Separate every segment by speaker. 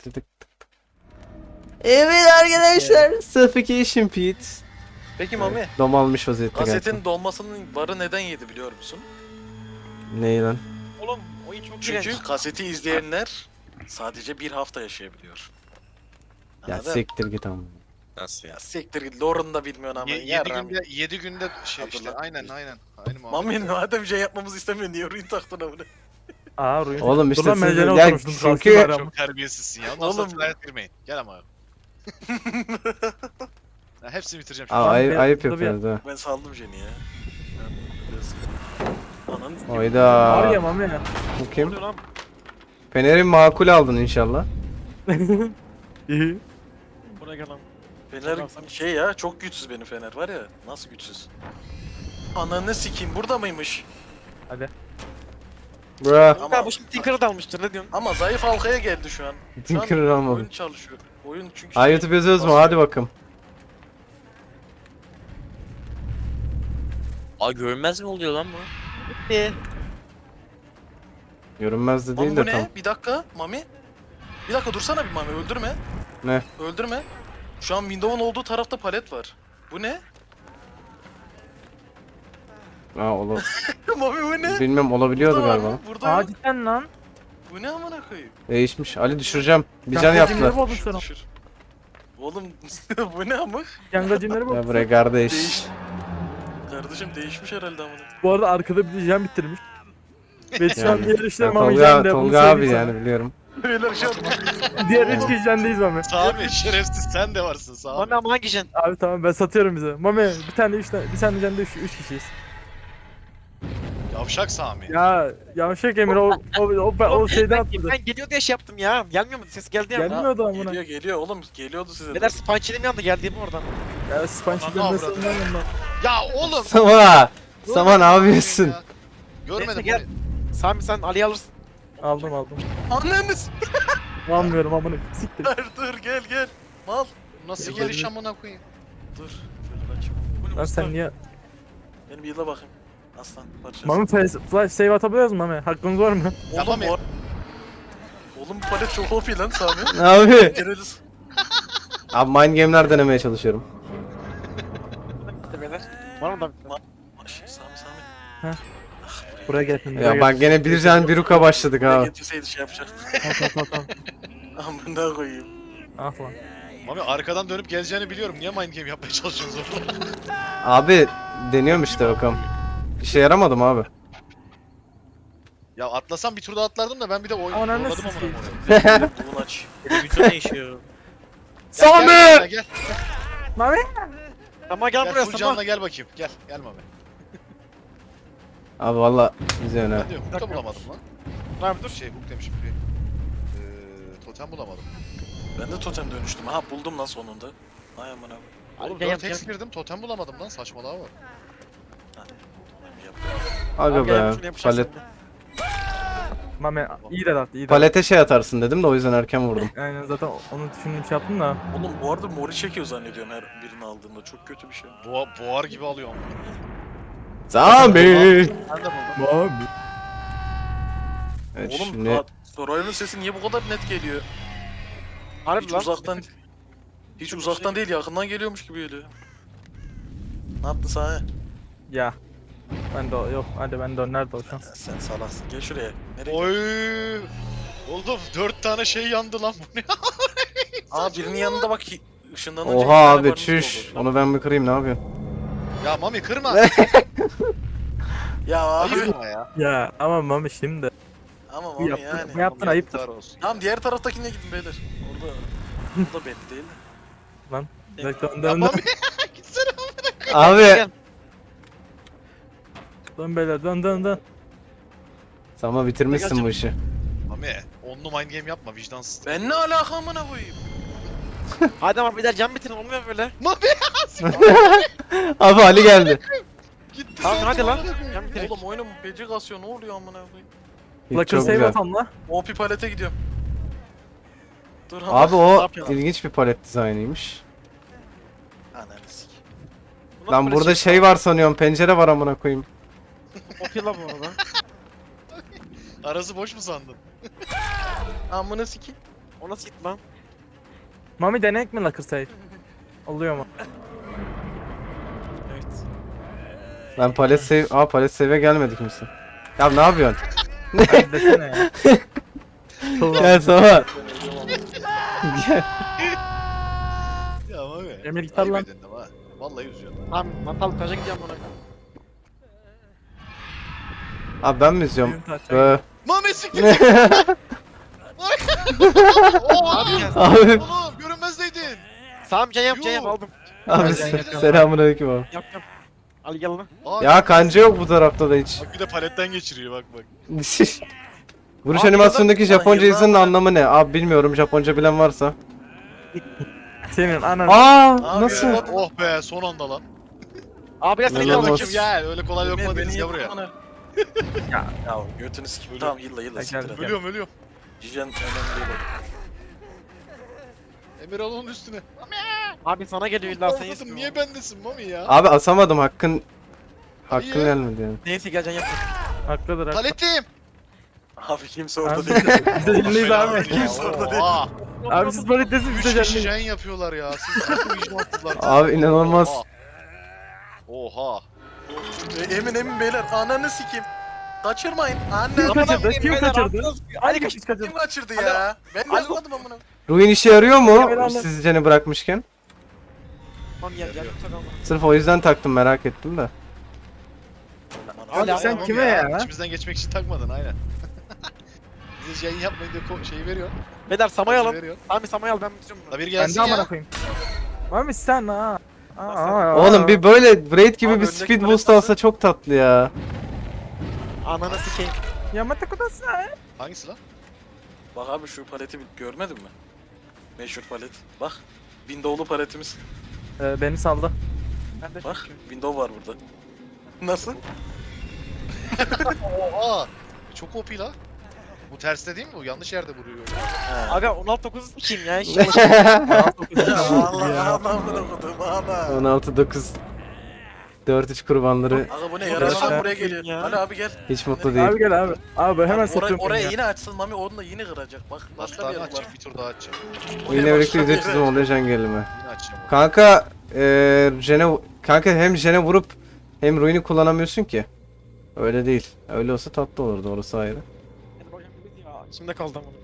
Speaker 1: tık tık. Evet arkadaşlar. Suffocation Pit.
Speaker 2: Peki Mami,
Speaker 1: Dom almış vaziyette geldi.
Speaker 2: kasetin dolmasının barı neden yedi biliyor musun?
Speaker 1: Neyi lan?
Speaker 3: Oğlum oyun çok
Speaker 2: Çünkü
Speaker 3: iğrenç.
Speaker 2: kaseti izleyenler sadece bir hafta yaşayabiliyor.
Speaker 1: Ya
Speaker 2: Anladın?
Speaker 1: siktir git ama.
Speaker 3: Nasıl ya?
Speaker 2: Ya siktir git, lore'unu da bilmiyorsun ama.
Speaker 4: 7
Speaker 2: yarram.
Speaker 4: günde 7 günde şey işte
Speaker 2: Hatırlat.
Speaker 4: aynen. Aynı muhabbet.
Speaker 2: Mami madem şey yapmamızı istemiyor niye oyun taktın amına?
Speaker 5: Aa Ruin.
Speaker 1: Oğlum işte
Speaker 5: Dur lan,
Speaker 1: siz
Speaker 5: ben
Speaker 1: ya
Speaker 5: oturmuştum,
Speaker 1: çünkü
Speaker 5: kalktım
Speaker 4: Çok terbiyesizsin ya. Ondan
Speaker 2: Oğlum.
Speaker 4: sonra sıraya girmeyin. Gel ama. Ya hepsini bitireceğim
Speaker 1: Aa,
Speaker 4: şimdi.
Speaker 1: ayıp,
Speaker 5: bir-
Speaker 1: ayıp
Speaker 5: burada bir-
Speaker 1: yapıyorsunuz ha.
Speaker 2: Ben saldım Jen'i ya. Ananı s**eyim.
Speaker 1: Oyda.
Speaker 5: Var ya Mami ya.
Speaker 1: Bu
Speaker 3: Ne
Speaker 1: kim?
Speaker 3: oluyor lan?
Speaker 1: Fener'i makul aldın inşallah.
Speaker 5: İyi.
Speaker 3: Buraya gel lan.
Speaker 2: Fener şey ya, çok güçsüz benim Fener var ya. Nasıl güçsüz? Ananı sikeyim, burada mıymış?
Speaker 5: Hadi.
Speaker 1: Bra.
Speaker 2: Ama
Speaker 3: Bu şimdi Tinker'ı da almıştır ne diyorsun?
Speaker 2: ama zayıf halkaya geldi şu an. Şu an
Speaker 1: Tinker almadı.
Speaker 2: oyun çalışıyor. Oyun çünkü
Speaker 1: Ay YouTube yazıyoruz mu? Hadi bakalım.
Speaker 3: Aa görünmez mi oluyor lan bu?
Speaker 1: Görünmez de değil
Speaker 2: Mami bu
Speaker 1: de tam.
Speaker 2: ne? Bir dakika Mami. Bir dakika dursana bir Mami, öldürme.
Speaker 1: Ne?
Speaker 2: Öldürme. Şu an Windows'un olduğu tarafta palet var. Bu ne?
Speaker 1: Aa olur.
Speaker 2: Mami bu ne?
Speaker 1: Bilmem olabiliyordu
Speaker 2: Burada var
Speaker 1: galiba.
Speaker 2: mı? Burada
Speaker 5: Aa
Speaker 2: var.
Speaker 5: cidden lan.
Speaker 2: Bu ne amına koyayım?
Speaker 1: Değişmiş. Ali düşüreceğim. Bir can
Speaker 5: Yangacı
Speaker 1: yaptılar.
Speaker 5: cimleri buldum sana.
Speaker 2: Düşür. Oğlum bu ne amık?
Speaker 5: Yangacı cimleri
Speaker 1: Ya
Speaker 5: buldum.
Speaker 1: buraya kardeş.
Speaker 2: Değiş. Kardeşim değişmiş herhalde amına.
Speaker 5: Bu arada arkada bir jam bitirmiş. Ve şu an
Speaker 1: Yani.
Speaker 5: diğer işler Mami
Speaker 1: Tolga,
Speaker 5: jende. Bunu
Speaker 1: Tolga abi
Speaker 5: söyleyeyim
Speaker 1: yani biliyorum.
Speaker 2: Beyler şu an
Speaker 5: sana. Diğer 3 kişi jendeyiz Mami.
Speaker 4: Sami şerefsiz sen de varsın Sami.
Speaker 3: Mami ama hangi jen?
Speaker 5: Abi tamam ben satıyorum bize. Mami bir tane 3 tane bir tane jende 3 kişiyiz.
Speaker 4: Yavşak Sami.
Speaker 5: Ya yavşak Emir o şeyden
Speaker 3: Ben,
Speaker 5: atladı.
Speaker 3: ben geliyor diye şey yaptım ya. Gelmiyor mu? Ses geldi ya.
Speaker 5: Gelmiyordu amına.
Speaker 2: geliyor oğlum, geliyordu size.
Speaker 3: Neler spançilim yandı geldiğim oradan.
Speaker 5: Ya Sponge'den
Speaker 4: Ananı
Speaker 5: nasıl
Speaker 4: avradım.
Speaker 5: inanmam lan.
Speaker 4: Ya oğlum.
Speaker 1: Sama! Sama ne yapıyorsun?
Speaker 4: Ya. Görmedim
Speaker 3: Neyse,
Speaker 4: bunu.
Speaker 3: Sami sen Ali'yi alırsın.
Speaker 5: Aldım.
Speaker 2: Anneniz.
Speaker 5: Almıyorum amına. Siktir.
Speaker 2: Dur gel. Mal.
Speaker 4: Nasıl
Speaker 5: Ya,
Speaker 4: geliş amına koyayım?
Speaker 2: Dur. Şöyle kaçayım. Bu ne
Speaker 5: Lan
Speaker 2: usta?
Speaker 5: sen niye?
Speaker 2: Benim bir yıla bakayım. Aslan parçası.
Speaker 5: Mami flash save atabiliyoruz mu Mami? Hakkınız var mı?
Speaker 2: Oğlum,
Speaker 4: Mami.
Speaker 2: Oğlum bu palet çok OP lan Sami.
Speaker 1: Abi.
Speaker 2: Gireriz.
Speaker 1: Abi mind game'ler denemeye çalışıyorum.
Speaker 3: Beyler. Var mı da?
Speaker 2: Sami.
Speaker 5: Buraya gel şimdi.
Speaker 1: Ya bak gene bir can bir uka başladık
Speaker 2: Ne
Speaker 1: ha.
Speaker 2: getirseydi şey yapacaktı.
Speaker 5: Tamam.
Speaker 2: Amına koyayım.
Speaker 5: Ah lan.
Speaker 4: Mami arkadan dönüp geleceğini biliyorum. Niye mind game yapmaya çalışıyorsunuz orada?
Speaker 1: Abi deniyorum işte bakalım. İşe yaramadım abi.
Speaker 4: Ya atlasam bir tur daha atlardım da ben bir de oyun
Speaker 5: Ananı
Speaker 4: yolladım amına
Speaker 5: sikeyim.
Speaker 4: koyayım.
Speaker 2: Bunu aç.
Speaker 3: Televizyon değişiyor.
Speaker 1: Sami!
Speaker 4: Gel, gel,
Speaker 5: Mami?
Speaker 3: Ama gel
Speaker 4: gel,
Speaker 3: buraya
Speaker 4: full
Speaker 3: Sama.
Speaker 4: canla gel bakayım. Gel Mami.
Speaker 1: Abi valla bize öne.
Speaker 4: Ben de hook da bulamadım lan.
Speaker 3: Abi dur.
Speaker 4: Şey hook demişim. Totem bulamadım.
Speaker 2: Ben de totem dönüştüm. Ha buldum lan sonunda. Ay amına koyayım.
Speaker 4: Oğlum
Speaker 3: Gel,
Speaker 4: 4x girdim totem bulamadım lan saçmalığa bak.
Speaker 1: Aga
Speaker 3: Abi gel,
Speaker 1: be.
Speaker 3: şunu yapacağız
Speaker 1: Palet,
Speaker 3: şimdi.
Speaker 5: Mami iyi de at iyi de.
Speaker 1: palete şey atarsın dedim de o yüzden erken vurdum.
Speaker 5: Aynen zaten onu düşündüm şey yaptım da.
Speaker 2: Oğlum bu arada mori çekiyor zannediyorum her birini aldığımda. Çok kötü bir şey.
Speaker 4: Boğar gibi alıyor ama.
Speaker 1: Sami!
Speaker 4: Ben de buldum.
Speaker 5: Mami.
Speaker 1: Evet
Speaker 2: Oğlum
Speaker 1: şimdi
Speaker 2: Soray'ın sesi niye bu kadar net geliyor?
Speaker 3: Harbi
Speaker 2: Hiç
Speaker 3: lan.
Speaker 2: uzaktan değil yakından geliyormuş gibi geliyor. Ne yaptın sana?
Speaker 5: Ya. Ben de yok hadi ben de nerede o şu an?
Speaker 2: Sen salaksın. Gel şuraya. Nereye?
Speaker 4: Oy. Oğlum 4 tane şey yandı lan bu ne?
Speaker 2: Aa birinin yanında bak ışınlanınca
Speaker 1: oha
Speaker 2: iki tane
Speaker 1: abi
Speaker 2: barınız
Speaker 1: çüş.
Speaker 2: oldu.
Speaker 1: Onu ben bir kırayım ne yapıyorsun?
Speaker 4: Ya Mami kırma.
Speaker 2: Ya abi.
Speaker 4: Ayıp ama ya.
Speaker 5: Ya ama Mami şimdi.
Speaker 2: Ama
Speaker 5: Bu
Speaker 2: Mami
Speaker 5: yaptın,
Speaker 2: yani.
Speaker 5: bu yaptın ayıptır.
Speaker 4: Yazıklar olsun.
Speaker 2: Tamam diğer taraftakine gidin beyler. Orada belli değil de.
Speaker 5: Bekle
Speaker 4: Ya
Speaker 5: önden
Speaker 4: Mami gitsene.
Speaker 1: Abi
Speaker 3: Gel.
Speaker 5: dön beyler dön.
Speaker 1: Sama bitirmişsin bu işi.
Speaker 4: Mami onlu mind game yapma vicdansız.
Speaker 2: Ben ne alaka amına koyayım?
Speaker 3: Hadi ama bir de can bitirin olmuyor böyle.
Speaker 4: Mami
Speaker 1: Abi Ali geldi.
Speaker 4: gitti.
Speaker 3: Tamam
Speaker 4: zaten
Speaker 3: hadi lan.
Speaker 4: amına koyayım.
Speaker 3: Can bitirin.
Speaker 2: Oğlum oyunun peci kasıyor ne oluyor amına koyayım?
Speaker 5: Lakır
Speaker 1: Çok
Speaker 5: save
Speaker 1: güzel.
Speaker 5: atam la.
Speaker 2: OP palete gidiyorum. Dur
Speaker 1: Abi
Speaker 2: ne
Speaker 1: o
Speaker 2: yapıyorsun?
Speaker 1: ilginç bir palet dizaynıymış.
Speaker 2: Ananı sik.
Speaker 3: Bu nasıl
Speaker 1: Lan
Speaker 3: böyle
Speaker 1: burada şey var sanıyorum pencere var amına koyayım.
Speaker 3: Kopya la bu arada.
Speaker 4: Arası boş mu sandın?
Speaker 2: Amına siki.
Speaker 3: O nasıl gitti lan?
Speaker 5: Mami denek mi Lakır Sait? Oluyor mu?
Speaker 3: Evet.
Speaker 1: Ben palet save... Aa palet save'e gelmedi kimse. Ya ne yapıyorsun?
Speaker 5: Hadi desene ya.
Speaker 1: Gel sana. Gel.
Speaker 4: Ya Mami.
Speaker 5: Emir gitar lan.
Speaker 4: Ayıp edin ama. Vallahi üzüyorum.
Speaker 3: Tamam Natal taşa gideceğim buna.
Speaker 1: Abi ben mi izliyorum?
Speaker 5: Oyun taç.
Speaker 4: Mami siktir. Oha!
Speaker 1: Abi,
Speaker 4: Oğlum görünmezdeydin.
Speaker 3: Tamam can yap
Speaker 4: Yuh.
Speaker 3: aldım.
Speaker 1: abi selamünaleyküm abi.
Speaker 3: Yap. Al gel lan.
Speaker 4: Abi,
Speaker 1: Ya kanca yok bu tarafta da hiç.
Speaker 4: Bak bir de paletten geçiriyor bak bak.
Speaker 1: Vuruş
Speaker 2: Abi
Speaker 1: animasyonundaki
Speaker 2: yıllar-
Speaker 1: Japonca
Speaker 2: yıllar-
Speaker 1: yazının anlamı ne? Abi bilmiyorum, Japonca bilen varsa.
Speaker 5: Senin anan.
Speaker 1: Aa
Speaker 2: Abi
Speaker 1: nasıl?
Speaker 2: ya.
Speaker 4: Oh be son anda lan.
Speaker 3: Abi gel sen
Speaker 1: Ne
Speaker 3: gel
Speaker 1: lan
Speaker 4: Gel
Speaker 1: o?
Speaker 3: bakayım.
Speaker 4: bakayım gel öyle kolay lokma
Speaker 2: Beni
Speaker 4: değiliz ya
Speaker 2: yedin
Speaker 4: buraya.
Speaker 2: bana.
Speaker 3: Ya.
Speaker 2: Ya götünü sikim.
Speaker 4: Ölüyorum.
Speaker 2: Tamam yılla
Speaker 5: Gel,
Speaker 2: siktir
Speaker 5: gel.
Speaker 2: et.
Speaker 4: Ölüyorum ölüyorum.
Speaker 2: Cijen önemli değil o.
Speaker 4: Emir al onun üstüne.
Speaker 3: Abi sana geliyor illa sen
Speaker 4: Avladım
Speaker 3: istiyorsun.
Speaker 4: niye bendesin Mami ya?
Speaker 1: Abi asamadım, hakkın
Speaker 4: Hayır.
Speaker 1: gelmedi yani.
Speaker 3: Neyse gel can yap.
Speaker 5: Haklıdır haklı.
Speaker 4: Paletim.
Speaker 2: Abi kimse orada
Speaker 5: Abi
Speaker 2: değil.
Speaker 5: biz de canlıyız abi.
Speaker 2: Kimse orada değil.
Speaker 4: Oha.
Speaker 5: Abi siz böyle desin biz
Speaker 4: 3
Speaker 5: de
Speaker 4: kişi
Speaker 5: canlıyız.
Speaker 4: yayın yapıyorlar ya. Siz çok vicdansızlar.
Speaker 1: Abi inanılmaz.
Speaker 4: Oha.
Speaker 2: Emin beyler ananı sikeyim. Kaçırmayın. Anne.
Speaker 5: Kim kaçırdı? Kim kaçırdı?
Speaker 3: Hadi
Speaker 5: Kim kaçırdı?
Speaker 2: Kim kaçırdı ya? Ben kaçırmadım amına.
Speaker 1: Ruin işe yarıyor mu?
Speaker 5: Evet, anladım.
Speaker 1: Sizce ne bırakmışken?
Speaker 3: Tamam gel gel. Takalım.
Speaker 1: Sırf o yüzden taktım, merak ettim de.
Speaker 5: Abi
Speaker 3: Hala
Speaker 5: sen
Speaker 3: tamam
Speaker 5: kime ya?
Speaker 4: İçimizden geçmek için takmadın aynen. Bize yayın yapmayın diye şeyi veriyor.
Speaker 3: Beyler samay alın.
Speaker 4: Veriyor.
Speaker 3: Abi samay al ben bitiriyorum bunu.
Speaker 4: La bir
Speaker 5: Ben
Speaker 4: gelsin
Speaker 5: de amına
Speaker 4: ya.
Speaker 5: koyayım. Mami sen ha.
Speaker 1: Oğlum bir böyle Braid gibi
Speaker 2: Abi
Speaker 1: bir
Speaker 2: öndeki
Speaker 1: speed
Speaker 2: palet
Speaker 1: boost
Speaker 2: nasıl?
Speaker 1: alsa çok tatlı ya.
Speaker 3: Ananı sikeyim.
Speaker 5: Yamata kudasai.
Speaker 4: Hangisi lan?
Speaker 2: Bak abi şu paleti görmedin mi? Meşhur palet. Bak. Window'lu paletimiz.
Speaker 5: Beni saldı.
Speaker 3: Ben de
Speaker 2: Bak.
Speaker 3: çünkü.
Speaker 2: Window var burada. Nasıl?
Speaker 4: Oha. Çok OP la. Bu terste değil mi bu? Yanlış yerde vuruyor.
Speaker 2: He.
Speaker 3: Abi 16-9'u sikeyim ya. Hiç
Speaker 2: Allah Allah'ını okudum ana.
Speaker 1: 16-9 4-3 kurbanları
Speaker 2: Aga bu ne
Speaker 5: Arkadaşlar.
Speaker 2: yaralan buraya geliyor.
Speaker 3: Ya.
Speaker 2: Ali abi gel.
Speaker 1: hiç mutlu değil.
Speaker 5: Abi gel abi. Abi hemen
Speaker 2: Oraya,
Speaker 5: satıyorum
Speaker 2: oraya
Speaker 5: ya.
Speaker 2: yine açsın Mami onu da yine kıracak. Bak başka bir
Speaker 4: Hastane
Speaker 2: yer var.
Speaker 4: açacak. Bir tur daha açacak.
Speaker 1: Yine birlikte video çizim oluyor can gelime.
Speaker 4: Yine açacağım. onu.
Speaker 1: Kanka kanka hem Jene vurup hem Ruin'i kullanamıyorsun ki. Öyle değil. Öyle olsa tatlı olurdu, orası ayrı.
Speaker 3: Şimdi kaldı ama.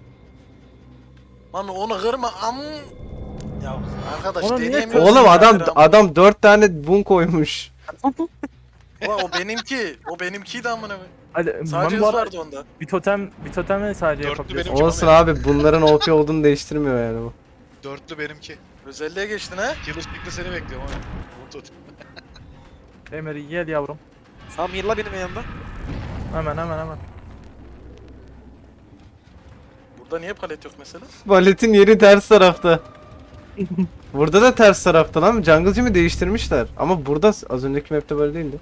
Speaker 2: Mami onu kırma Ya arkadaş
Speaker 5: Onu niye
Speaker 2: deneyemiyorsun.
Speaker 1: Oğlum
Speaker 2: ya,
Speaker 1: adam 4 tane bun koymuş.
Speaker 2: Ulan o benimki. O benimkiydi amına koyayım.
Speaker 5: Hadi
Speaker 2: Sadece
Speaker 5: Mami
Speaker 2: hız
Speaker 5: bu arada
Speaker 2: vardı onda.
Speaker 5: bir totemle sadece
Speaker 4: Dörtlü
Speaker 5: yapabiliyorsun.
Speaker 4: benim.
Speaker 1: Olsun abi, bunların OP olduğunu değiştirmiyor yani bu.
Speaker 4: Dörtlü benimki.
Speaker 2: Özelliğe geçtin ha.
Speaker 4: Killer Stick'te seni bekliyorum abi. Bunu tut.
Speaker 5: Emir gel yavrum.
Speaker 3: Sam yılla benim yanında.
Speaker 5: Hemen.
Speaker 2: Burada niye palet yok mesela?
Speaker 1: Paletin yeri ters tarafta. Burada da ters tarafta lan. Jungle Gym'i değiştirmişler. Ama burada az önceki map'te böyle değildi.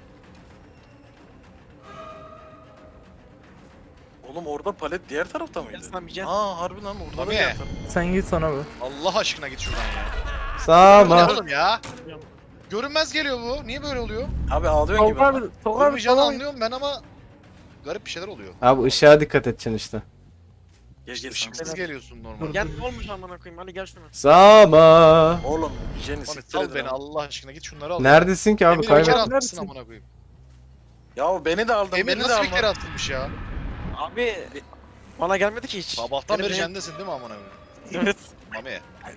Speaker 2: Oğlum orada palet diğer tarafta mıydı?
Speaker 3: Gel Sam yiyeceksin.
Speaker 2: Aa harbi lan orada da
Speaker 4: Mami.
Speaker 2: diğer tarafta.
Speaker 5: Sen git sana be.
Speaker 4: Allah aşkına git şuradan ya.
Speaker 1: Sama.
Speaker 4: Oğlum ya. Görünmez geliyor bu. Niye böyle oluyor?
Speaker 2: Abi ağlıyorsun gibi.
Speaker 5: Tolga
Speaker 2: ama.
Speaker 5: abi, Tolga abi,
Speaker 4: Olmayacağını
Speaker 5: Tolga abi.
Speaker 4: anlıyorum ben ama garip bir şeyler oluyor.
Speaker 1: Abi ışığa dikkat edeceksin işte.
Speaker 2: Gel gel
Speaker 4: Işıksız
Speaker 2: Sam.
Speaker 4: geliyorsun normal.
Speaker 3: Gel ne olmuş amına koyayım hadi gel şuna.
Speaker 1: Sama.
Speaker 2: Oğlum Jenny
Speaker 4: Mami
Speaker 2: siktir
Speaker 4: sal
Speaker 2: edin
Speaker 4: beni
Speaker 2: abi.
Speaker 4: Allah aşkına git şunları al.
Speaker 1: Neredesin ki abi?
Speaker 4: Emir
Speaker 1: Kaybet.
Speaker 4: kere
Speaker 5: Neredesin?
Speaker 4: atmışsın amına koyayım.
Speaker 2: Ya beni de aldın
Speaker 4: Emir
Speaker 2: beni de
Speaker 4: nasıl bir kere
Speaker 2: alma.
Speaker 4: atılmış ya?
Speaker 3: Abi bana gelmedi ki hiç.
Speaker 4: Sabahtan
Speaker 3: Benim
Speaker 4: beri
Speaker 3: benim-
Speaker 4: jendesin değil mi amına koyayım?
Speaker 3: Evet.
Speaker 4: Mami.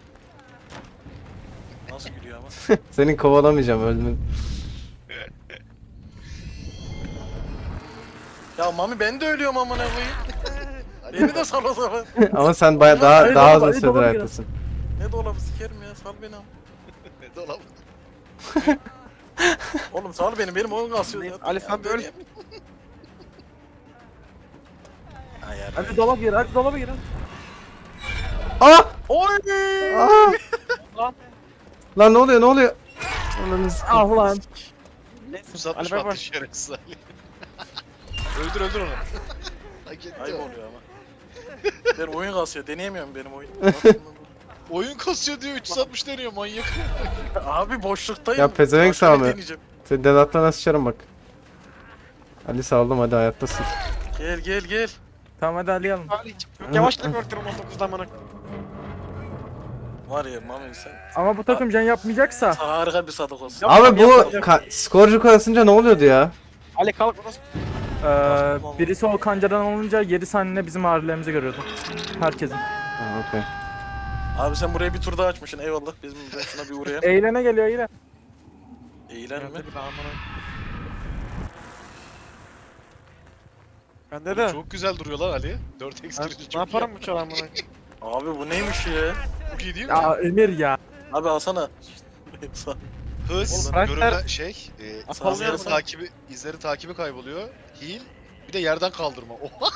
Speaker 2: Nasıl gülüyor ama.
Speaker 1: Seni kovalamayacağım, öldün.
Speaker 2: Ya Mami ben de ölüyorum amına koyayım. Beni de sal o zaman.
Speaker 1: Ama sen baya daha
Speaker 5: Hadi
Speaker 1: daha
Speaker 5: dolaba,
Speaker 1: uzun
Speaker 5: hadi
Speaker 1: süredir
Speaker 5: dolaba
Speaker 1: hayattasın.
Speaker 2: Ne dolabı sikerim ya sal beni ama.
Speaker 4: Ne dolap?
Speaker 2: Oğlum sal beni benim oyun kasıyor ya.
Speaker 3: Ali, sen böyle-
Speaker 2: Ay yardım.
Speaker 5: Hadi dolap gir, hadi dolaba gir.
Speaker 1: Aa!
Speaker 2: Oy!
Speaker 1: Aa!
Speaker 3: Lan.
Speaker 1: Lan ne oluyor? Ananı sikeyim.
Speaker 5: Ah lan.
Speaker 3: Neyse.
Speaker 4: Uzatmış
Speaker 3: Ali bay bay.
Speaker 4: attı şerefsiz Ali. öldür onu. Hak etti
Speaker 2: Ayıp
Speaker 4: o.
Speaker 2: oluyor ama. Ben oyun kasıyor deneyemiyorum benim oyun.
Speaker 4: Oyun kasıyor diyor 360 deniyor manyak.
Speaker 2: Abi boşluktayım.
Speaker 1: Ya pezevenk
Speaker 2: Başka ne
Speaker 1: Sami.
Speaker 2: deneyeceğim?
Speaker 1: Seni Dedat'la sıçarım bak. Ali saldım, hadi hayattasın.
Speaker 2: Gel.
Speaker 5: Tamam hadi Ali alın.
Speaker 3: Çok yavaş da korkuyorum 19'dan bana.
Speaker 2: Var ya Mami sen
Speaker 5: Ama bu takım can yapmayacaksa.
Speaker 2: harika bir sadık olsun.
Speaker 1: Abi bu skorcu koyasınca ne oluyordu ya?
Speaker 3: Ali kalk burası.
Speaker 5: Birisi o kancadan olunca 7 saniye bizim ağrılarımızı görüyordu. Herkesin.
Speaker 1: Ha, okey.
Speaker 2: Abi sen buraya bir tur daha açmışsın eyvallah. Bizim ben şuna bir uğrayayım.
Speaker 5: Eğlene geliyor yine.
Speaker 2: Eğlen mi?
Speaker 3: Bende de.
Speaker 4: Çok güzel duruyorlar Ali. 4x
Speaker 3: Ben,
Speaker 4: duruyor.
Speaker 3: ne yaparım bu çağ amına?
Speaker 2: Abi bu neymiş ya?
Speaker 4: Çok iyi değil mi?
Speaker 5: Ya Emir ya.
Speaker 2: Abi alsana.
Speaker 4: Hız,
Speaker 3: Oğlum,
Speaker 4: görünme
Speaker 3: karakter-
Speaker 4: şey,
Speaker 2: Sağ
Speaker 4: izleri
Speaker 2: yarısı-
Speaker 4: takibi, izleri takibi kayboluyor. Heal, bir de yerden kaldırma. Oha!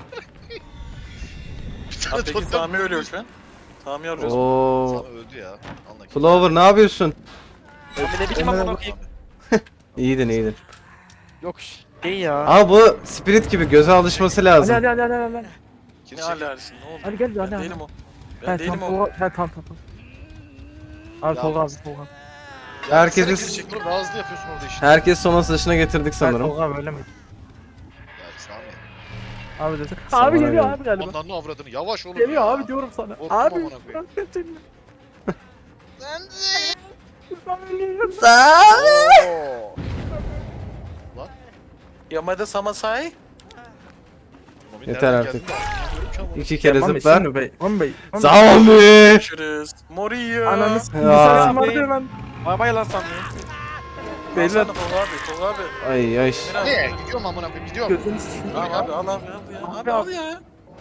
Speaker 4: Bir tane
Speaker 2: Abi peki
Speaker 4: totem
Speaker 2: Sami ölüyor
Speaker 4: bulmuş.
Speaker 2: şu an. Sami arıyoruz.
Speaker 1: Oo.
Speaker 4: Sana öldü ya. Anla ki.
Speaker 1: Flower ne yapıyorsun?
Speaker 3: Abi ne biçim amına koyayım?
Speaker 1: İyiydin iyiydin.
Speaker 3: Yok şey ya.
Speaker 1: Ama bu spirit gibi göze alışması
Speaker 5: Ali
Speaker 1: lazım.
Speaker 5: Ali Ali Ali Ali.
Speaker 4: Kim
Speaker 2: Ne
Speaker 4: çekiyor?
Speaker 2: alersin ne oldu?
Speaker 5: Ali gel
Speaker 2: Ben
Speaker 5: Ali Ali.
Speaker 2: değilim o. Ben
Speaker 5: Ben
Speaker 2: değilim
Speaker 5: tam
Speaker 2: o.
Speaker 5: Tolga. Ben tam. Abi
Speaker 4: Ya
Speaker 5: Tolga abi
Speaker 4: bak-
Speaker 5: Tolga.
Speaker 4: Ya
Speaker 1: Herkes-
Speaker 4: sen kim çekiyor? Daha hızlı yapıyorsun orada işte.
Speaker 1: Herkes son dışına getirdik sanırım.
Speaker 5: Tolga abi öyle mi?
Speaker 4: Ya Sami.
Speaker 5: Abi desin.
Speaker 1: Sana
Speaker 5: Abi geliyor
Speaker 1: geldi.
Speaker 5: abi galiba.
Speaker 4: Onların avradını yavaş oğlum
Speaker 5: Geliyor
Speaker 4: ya.
Speaker 5: abi diyorum sana.
Speaker 4: Korktum
Speaker 5: Abi.
Speaker 4: amına koyayım. Oo.
Speaker 2: Yamada Samasai.
Speaker 4: Mami
Speaker 1: Yeter
Speaker 4: nereden
Speaker 1: artık.
Speaker 4: geldi? Bilmiyorum ki ama.
Speaker 1: 2 kere
Speaker 5: Mami,
Speaker 1: zıplar.
Speaker 5: şimdi bey. Mami bey. Mami.
Speaker 1: Sami!
Speaker 2: Görüşürüz. Morio.
Speaker 5: Ananı s***.
Speaker 1: Ya.
Speaker 5: İnsan vardı hemen.
Speaker 3: Bay bay lan Sami.
Speaker 5: Beyler.
Speaker 2: Alsana Tolga abi. Tolga abi.
Speaker 1: Ay ay.
Speaker 2: Emir abi.
Speaker 4: Ne? Gidiyorum amına koyayım gidiyorum.
Speaker 5: Gözünü s***.
Speaker 2: Al abi al abi al ya. Abi
Speaker 5: Abi,
Speaker 2: al ya.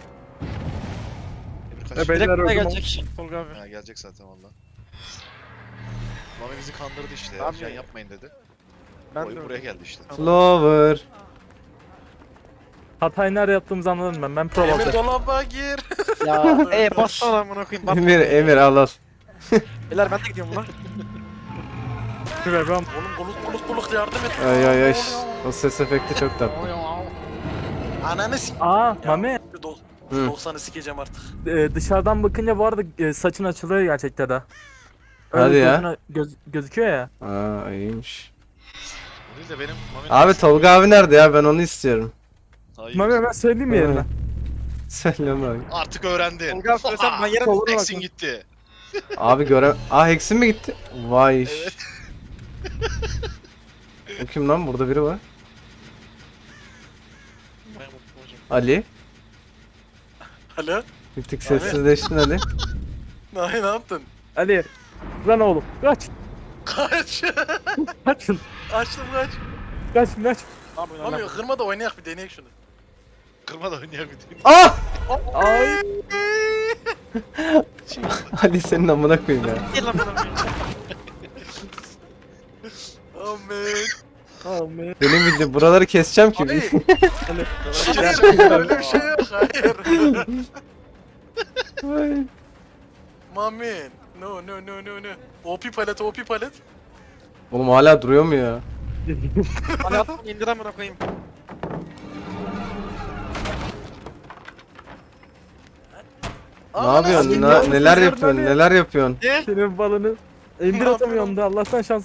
Speaker 4: Emir kaç.
Speaker 5: E, beyler
Speaker 3: Direkt buraya
Speaker 5: öldüm.
Speaker 3: gelecek. Tolga abi.
Speaker 4: Ha gelecek zaten valla. Mami bizi kandırdı işte.
Speaker 3: Abi-
Speaker 4: Can yapmayın dedi.
Speaker 3: Ben
Speaker 4: Oyun
Speaker 3: de
Speaker 4: buraya geldi işte.
Speaker 1: Flower.
Speaker 5: Hatayı nerede yaptığımızı anladım ben. Ben pro
Speaker 2: Emir
Speaker 5: olacağım.
Speaker 2: dolaba gir.
Speaker 3: Ya bassana lan amına koyayım. Bas.
Speaker 1: Emir al al.
Speaker 3: Beyler ben de gidiyorum lan.
Speaker 5: Şuraya ben.
Speaker 2: Oğlum buluk yardım et.
Speaker 1: Ay ay ay. O ses efekti çok tatlı.
Speaker 2: Ananı s***.
Speaker 5: Aa Mami.
Speaker 1: Hı.
Speaker 2: 90'ı sikeceğim artık.
Speaker 5: Dışarıdan bakınca bu arada saçın açılıyor gerçekten de.
Speaker 1: Hadi ya.
Speaker 5: Gözüküyor ya.
Speaker 1: Aa iyiymiş.
Speaker 4: O değil de benim Mami'nin
Speaker 1: Abi Tolga abi nerede ya? Ben onu istiyorum.
Speaker 4: Hayır.
Speaker 5: Mami ben söyleyeyim mi yerine?
Speaker 1: Söyleme abi.
Speaker 4: Artık öğrendin.
Speaker 3: Tolga abi söylesem ben yerim.
Speaker 5: Tolga bak.
Speaker 4: Exin gitti.
Speaker 1: Abi Aa Hex'in mi gitti? Vay iş.
Speaker 4: Evet.
Speaker 1: O kim lan? Burada biri var. Ali.
Speaker 2: Alo.
Speaker 1: Bir tık sessizleştin Ali.
Speaker 2: Ne yaptın?
Speaker 5: Ali. Lan oğlum. Kaç.
Speaker 2: Kaç.
Speaker 5: Kaçın.
Speaker 2: Açtım kaç.
Speaker 5: Kaç.
Speaker 2: Mami kırma da oynayak bir deneyek şunu.
Speaker 4: Kırma da oynayabilirim.
Speaker 1: Ah!
Speaker 5: Ay.
Speaker 1: Ali senin amına koyayım ya.
Speaker 3: Gel lan bana.
Speaker 2: Amen.
Speaker 5: Aman.
Speaker 1: Benim bildiğim buraları keseceğim ki.
Speaker 2: Abi.
Speaker 5: Ali.
Speaker 2: Hayır öyle bir şey yok. Hayır.
Speaker 1: Ay.
Speaker 2: Mami. No. OP palet.
Speaker 1: Oğlum hala duruyor mu ya?
Speaker 3: Bana at indir amına koyayım.
Speaker 1: Ne yapıyorsun?
Speaker 5: sikeyim.
Speaker 1: Neler
Speaker 5: Sesler
Speaker 1: yapıyorsun?
Speaker 5: böyle.
Speaker 1: Neler yapıyorsun?
Speaker 5: Senin balını. İndir
Speaker 2: Ne
Speaker 5: atamıyorum da Allah'tan şans.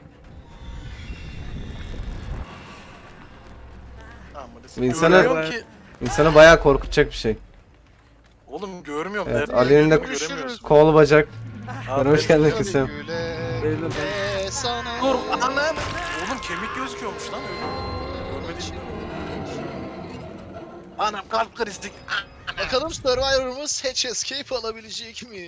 Speaker 1: İnsana-
Speaker 2: Görmüyorum ki.
Speaker 1: İnsanı bayağı korkutacak bir şey.
Speaker 2: Oğlum görmüyorum.
Speaker 1: Evet,
Speaker 2: Nerede
Speaker 1: Ali'nin de
Speaker 2: görüyorum, göremiyoruz.
Speaker 1: kol bacak.
Speaker 2: Abi,
Speaker 1: Hoş geldin
Speaker 2: evet.
Speaker 1: kızım.
Speaker 4: Güle
Speaker 5: Beyler,
Speaker 4: güle sana.
Speaker 2: Dur anam. Oğlum kemik gözüküyormuş lan öyle. Görmedim. Anam kalp krizi.
Speaker 4: Bakalım Survivor'ımız Hatch Escape alabilecek mi?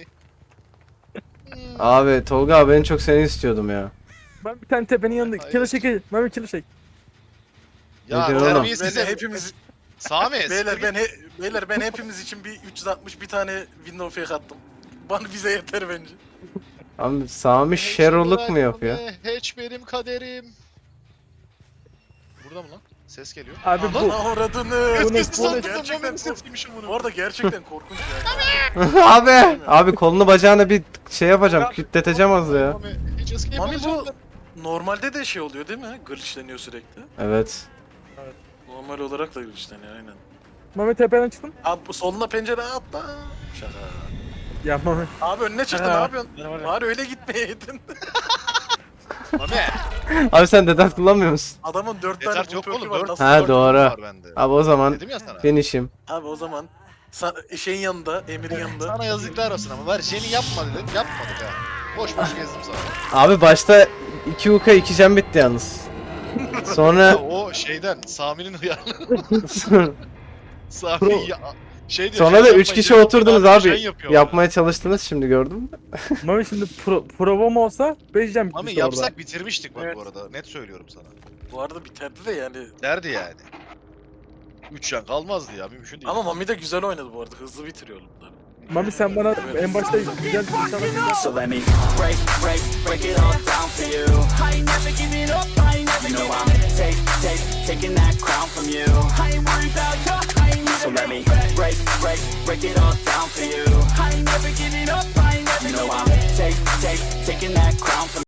Speaker 1: Abi Tolga abi en çok seni istiyordum ya.
Speaker 5: Ben bir tane tepenin yanında.
Speaker 4: Hayır.
Speaker 5: Kilo çekil. Mami kilo çek.
Speaker 4: Ya
Speaker 1: Nedir oğlum?
Speaker 4: terbiyesiz
Speaker 2: Ben
Speaker 4: herif.
Speaker 2: hepimiz
Speaker 4: Sami.
Speaker 2: beyler ben hepimiz için bir 360 bir tane window fake attım. Bana bize yeter bence.
Speaker 1: Abi Sami Sherlock mu yapıyor?
Speaker 4: Hatch benim kaderim. Burada mı lan? Ses geliyor.
Speaker 5: Abi bu.
Speaker 2: Ana oradını.
Speaker 5: Bu ne?
Speaker 2: Gerçekten
Speaker 4: Mami'nin
Speaker 2: kork.
Speaker 4: sesiymiş bunu.
Speaker 2: Bu arada gerçekten korkunç ya.
Speaker 1: Abi kolunu bacağına bir şey yapacağım. Kütleteceğim az ya.
Speaker 4: Mami, Hatch Escape
Speaker 2: Mami bu
Speaker 4: alacaklar.
Speaker 2: normalde de şey oluyor değil mi? Glitchleniyor sürekli.
Speaker 1: Evet.
Speaker 2: Normal olarak da glitchleniyor aynen.
Speaker 5: Mami tepeden çıktın.
Speaker 2: Abi bu soluna pencere atla. Şaka.
Speaker 5: Ya Mami.
Speaker 2: Abi önüne çıktı ne
Speaker 5: Ha.
Speaker 2: yapıyorsun?
Speaker 3: Ne var ya?
Speaker 2: Bari öyle gitmeyeydin.
Speaker 4: Mami.
Speaker 1: Abi sen dedat kullanmıyor musun?
Speaker 2: Adamın 4 tane
Speaker 4: Yeter
Speaker 2: bu
Speaker 4: çok
Speaker 2: perk'i
Speaker 4: oğlum.
Speaker 2: var.
Speaker 4: 4
Speaker 2: Nasıl
Speaker 1: Ha,
Speaker 2: dört-
Speaker 1: doğru.
Speaker 4: var bende.
Speaker 1: Abi o zaman
Speaker 4: Dedim ya sana.
Speaker 1: finish'im.
Speaker 2: Abi o zaman Şeyin yanında, Emir'in yanında.
Speaker 4: Sana yazıklar olsun ama var Jen'i yapma dedim. Yapmadık ha. Boş boş gezdim sana.
Speaker 1: Abi başta 2 Uka 2 Cem bitti yalnız. Sonra
Speaker 4: O şeyden Sami'nin hıyarlı.
Speaker 1: sonra
Speaker 4: Sami ya, şey diyor.
Speaker 1: da
Speaker 4: Jen
Speaker 1: 3
Speaker 4: yapmayın,
Speaker 1: kişi
Speaker 4: Jen
Speaker 1: oturdunuz
Speaker 4: yapmayın,
Speaker 1: abi.
Speaker 4: Jen yapıyor
Speaker 1: Yapmaya çalıştınız şimdi gördüm.
Speaker 5: Mami şimdi provom olsa 5 jam
Speaker 4: Ama
Speaker 5: bitmişti
Speaker 4: yapsak
Speaker 5: orada.
Speaker 4: bitirmiştik bak
Speaker 3: Evet.
Speaker 4: bu arada. Net söylüyorum sana.
Speaker 2: Bu arada biterdi de yani.
Speaker 4: Derdi yani. 3 yan kalmazdı ya mümkün değil.
Speaker 2: Ama Mami de güzel oynadı bu arada. Hızlı bitiriyor bunları.
Speaker 5: Mami sen bana en başta güzel bir şey
Speaker 6: So let me break it all down for you. I ain't never giving up, I ain't never giving up. Taking that crown from you. I ain't worried about you, I ain't need so let me break it all down for you. I ain't never giving up, I ain't never giving up. Taking that crown from